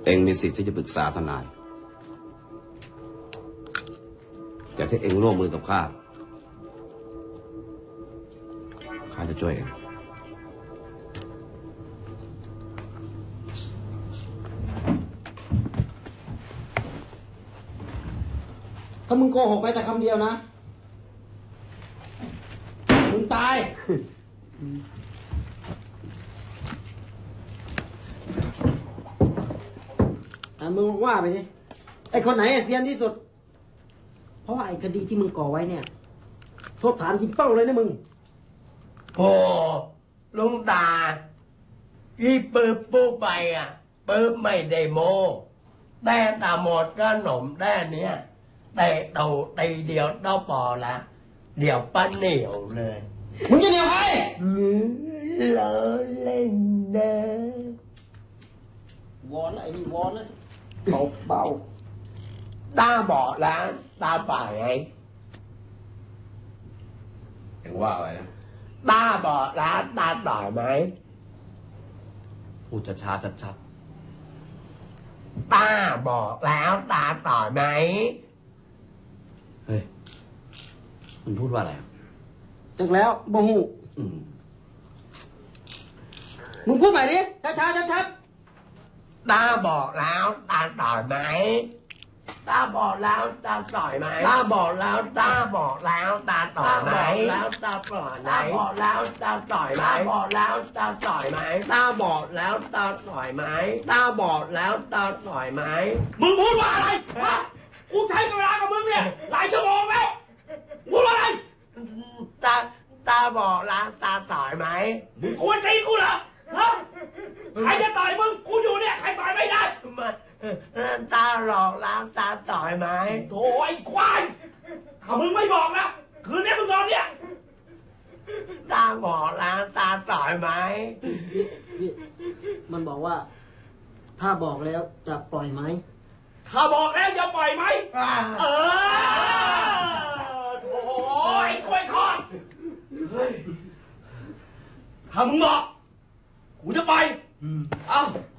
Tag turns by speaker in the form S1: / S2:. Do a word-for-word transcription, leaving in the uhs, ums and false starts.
S1: องมีสิทธิ์ที่จะปรึกษาทนายแต่ถ้าเองร่วมมือกับข้าข้าจะช่วยเอง
S2: ถ้ามึงโกหกไปแต่คำเดียวนะมึงตายอ่ะมึงว่าไปดิไอ้คนไหนเซียนที่สุดเพราะว่าไอ้คดีที่มึงก่อไว้เนี่ยโทษฐานจริงเป้าเลยนะมึง
S3: โอ้ลุงตาที่ปืบปุ๊บไปอ่ะปืบไม่ได้โมแต่ตาหมดก็หนมแด้เนี้ยแต่เต่าตีเดียวเต้าปอละเดี๋ยวป้าเหนียวเลย
S2: มึงจะเหนียวใคร
S3: เลอเล่นเด้
S2: วอนไอ้นี่วอนนะเบาเบา
S3: ตาบอดแล้วตาป่าไง
S1: เองว่าอะไรนะ
S3: ตาบอดแล้วตาต่อยไหม
S1: พูดช้าๆชัด
S3: ๆตาบอกแล้วตาต่อยไหม
S1: เฮ้ยมันพูดว่าอะไร
S2: จักแล้วบ่หูมึงพูดใหม่ดิช้าๆชัด
S3: ๆตาบอกแล้วตาต่อยไหมตาบอกแล้วตาต่อยไหมตาบอกแล้วตาบอกแล้วตาต่อยไหมแล้วตาต่อยไหมตาบอกแล้วตาต่อยไหมตาบอกแล้วตาต่อยไหมตาบอกแล้วตาต่อยไหมตาบอกแล้วตาต่อยไหม
S2: มึงพูดว่าอะไรฮะกูใช้เวลากับมึงเนี่ยหลายชั่วโมงแล้วพูดว่าอะไร
S3: ตาตาบอกแล้วตาต่อยไหม
S2: มึงควรตีกูเหรอฮะใครจะต่อยมึงกูอยู่เนี่ยใครต่อยไม่ได้
S3: ตาหลอกล้างตาต่อยไหม
S2: โถ่ไอ้ควายถ้ามึงไม่บอกนะคืนนี้มึงนอนเนี่ย
S3: ตาบอกล้างตาต่อยไหม
S2: มันบอกว่าถ้าบอกแล้วจะปล่อยไหม
S3: ถ้าบอกแล้วจะปล่อยไหม
S2: เออโถ่ไอ้ควายทอดถ้ามึงบอกกูจะไปเอ้า